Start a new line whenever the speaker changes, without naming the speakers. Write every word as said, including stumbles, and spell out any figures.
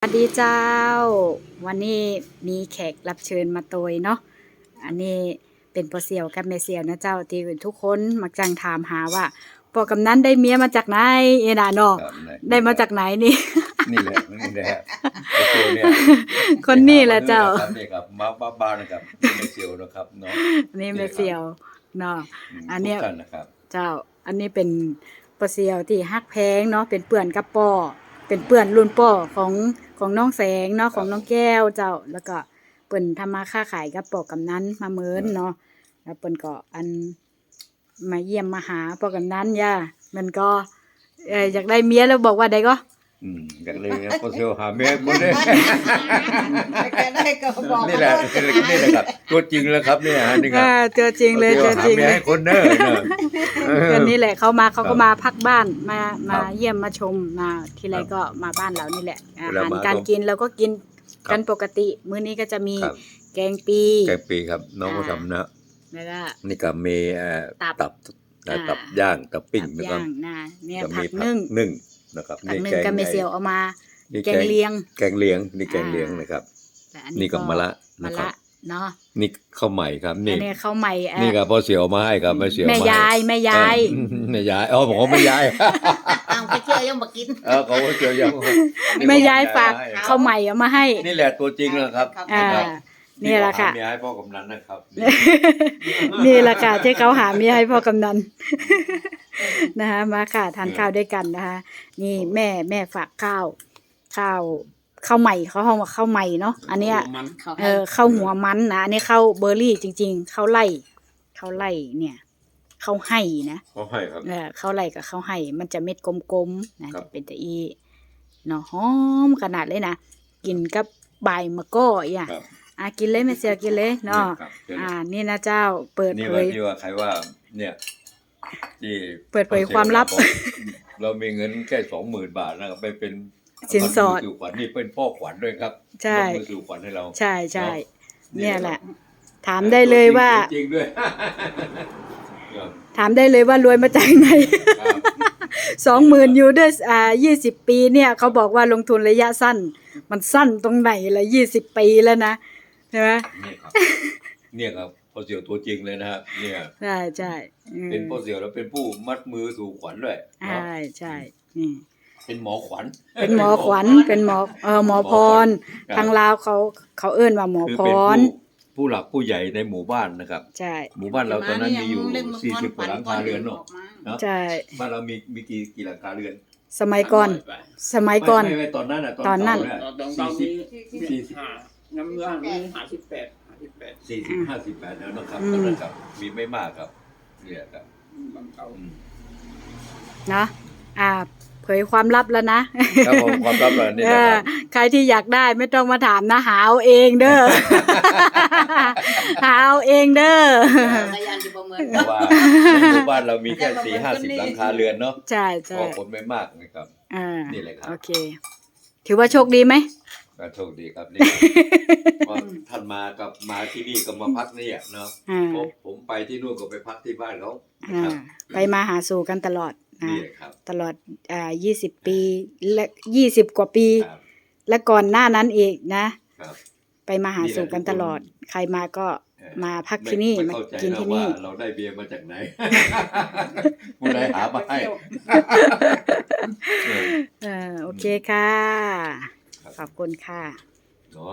สวัสดีเจ้าวันนี้มีแขกรับเชิญมาโตยเนาะอันนี้เป็นพ่อเสี่ยวกับแม่เสี่ยวนะเจ้าที่ทุกคนมักจังถามหาว่าพ่อกำนันได้เมียมาจากไหนเอ็น่ะเนาะได้มาจากไหนนี่
นี่แหละนี่แหละไอ้เซียวเนี่ย
คนนี้แหละเจ้า
นี่ครับมาบ้าบ้านนะครับไอ้เซียวนะครับเนาะ
นี่แม่เสี่ยวเนาะอันเนี้ย
ทุกท่านนะครับ
เจ้าอันนี้เป็นพ่อเสี่ยวที่ฮักแพงเนาะเป็นเปื่อนกับป่อเป็นเปื่อนรุ่นป่อของของน้องแสงเนาะของน้องแก้วเจ้าแล้วก็เปิ้นทำมาค้าขายกับปอกำนันมาเมินเนาะแล้วเปิ้นก็อันมาเยี่ยมมาหาปอกำนันย่ามันก็เอ่ออยากได้เมียแล้วบอกว่าได้ก็
อืมอยากเลยนะพอเซียวหาเมียหมดเลย
ได้ก็บอก
นี่แหละนี่แหละครับตัวจริงแล้วครับเนี่ยฮะนี่ครับ
อ่าเจอจริงเลยเจอจริง
หาเมีย
เลย
ให้คนเด้อเนอะเออ
ก็นี่แหละเขามาเขาก็
ครับ
มาพักบ้านมามา
ครับ
เยี่ยมมาชมมาทีไร
ครับ
ก็มาบ้านเรานี่แหละอา
เวลา
หาร
มา
การ
ก็
กินเราก็กิน
ครับ
กันปกติมื้อนี้ก็จะมี
ครับ
แกงปี
แกงปีครับน้องก็ทำนะ
แล้วก็
นี่ก็มีเอ่อ
ตับ
ตับ
อ่า
ตับย่างตับปิ้ง
ตับ
แล้วก็
ย่างนะเนี่ย
ก็
ผั
มี
กนึ่ง
นึ่งนะครับ
ผักนึ่งก็ไม่เสียวเอามา
นี่
แกงเลียง
แกงเลียงนี่แกงเลียง
อ่าน
นะครับ
แต่อั
นี่ก็มะละ
มะ
นะครับ
ละเนาะ
นี่ข้าวใหม่ครับ
อั
นี่
นนี้ข้าวใหม่เอ่อ
นี่ก็พอเสียวมาให้ครับไม่เสียว
แม่
มาให้
ยายแม่ยาย
เออแม่ยายอ๋อผมว่าแม่ยาย
เอาไปเชื่อยังมากิน
เออเขาก็เสียวยัง
แม่ยายฝาก
ให้
ข้าวใหม่เอามาให้
นี่แหละตัวจริงนะครับ
อ่า
ครับ
นี่แหละค่ะ
เมียให้พ่อกำนันนะครับ
นี่แหละค่ะที่เขาหาเมียให้พ่อกำนัน นะคะมาค่ะทานข้าวด้วยกันนะคะนี่แม่แม่ฝากข้าวข้าวข้าวใหม่เขาห้องว่าข้าวใหม่เนาะอันเนี้ยเออข้าวหัวมันนะอันนี้ข้าวเบอร์รี่จริงๆข้าวไล่ข้าวไล่เนี่ยข้าวให้นะ
เขาให้ครับ
เออข้าวไล่กับข้าวให้มันจะเม็ดกลมๆนะครับ จะเป็นตะอีเนาะหอมขนาดเลยนะกินกับใบมะก้ออ่ะ
ครับ
อ่ะกินเลยแม่เสียกินเลยเนาะ
ครับเชิญ
อ่านี่นะเจ้าเปิด
นี่
เผ
ว่าย ที่ว่าใครว่าเนี่ยที่
เปิดเผยความลับ
เรามีเงินแค่สองหมื่นบาทนะครับไปเป็น
สินสอด
สู่ขวัญนี่เป็นพ่อขวัญด้วยครับ
ใช่
มือสู่ขวัญให้เรา
ใช่ใช่
เนาะ
เนี่ยแหละ ถามได้เลยว่า
จริงๆด้วยครับ
ถามได้เลยว่ารวยมาจากไหน
ครับ
สองหมื่นยูด้วยอ่ายี่สิบปีเนี่ยเขาบอกว่าลงทุนระยะสั้น มันสั้นตรงไหนละยี่สิบปีแล้วนะใช่ไหม
เนี่ยครับเนี่ยครับพ่อเสี่ยวตัวจริงเลยนะครับเนี่ย
ใช่ใช่อืม
เป็นพ่อเสี่ยวแล้วเป็นผู้มัดมือสู่ขวัญด้วยเนาะ
ใช่ใช่นี่
เป็นหมอขวัญ
เป็นหมอขวัญเป็นหมอเออหมอพร
ครับ
ทางลาวเขาเขาเอิ้นว่าหมอ
คือ
พ
เป็น
ร
ผู้ผู้หลักผู้ใหญ่ในหมู่บ้านนะครับ
ใช่
หมู่บ้านเราตอนนั้นมีอยู่สี่สิบกว่าหลังคาเรือนเนาะเนาะ
ใช่
บ้านเรามีมีกี่กี่หลังคาเรือน
สมัยก่อน สมัยก่อน
ไม่ไม่ไม่ตอนนั้นอ่ะ
ตอนนั้น
เย
ตอนตอน
สี่
นี้
สิบสี่สิบ
ห้าน้ำเรื่องนี้ห้าสิบแปดห้าสิบแปด
สี่สิบห้าสิบแปดแล้วนะครับ
อืม
ตอนนั้นครับมีไม่มากครับเนี่ยครับ
บางเก่า
อืม
เนาะอ่า เผยความลับแล้วนะ
ครับผมความลับเลยนี่
เอ
นะค
อ
รับ
ใครที่อยากได้ไม่ต้องมาถามนะหาเอาเองเด้อ หาเอาเองเด้อ
พยานอยู่ประเมิน
เพราะว่าในหมู่บ้านเรามีแค่สี่ห้าสิบหลังคาเรือนเนาะ
ใช่ใช่
ก็คนไม่มากนะครับ
อ่า
นี่แหละครับ
โอเค ถือว่าโชคดีไหม
ก็โชคดีครับนี่เพราะท่านมากับมาที่นี่ก็มาพักนี่อ่ะเนาะ
อ่า
ผมผมไปที่นู่นก็ไปพักที่บ้านเขานะ
อ่า
ครับ
ไปมาหาสู่กันตลอดนะ
นี่แหละครับ
ตลอดอ่ายี่สิบปีและยี่สิบกว่าปี
ครับ
และก่อนหน้านั้นอีกนะ
ครับ
ไปมาหาสู่กันตลอด ใครมาก็
เออ
มาพักที่นี่
ไม่
มา
เข้าใจ
กิน
นะ
ที่
ว่า
นี่
เราได้เบียร์มาจากไหน ผู้ใดหามาให้
เออโอเคค่ะ
ครับ
ขอบคุณค่ะ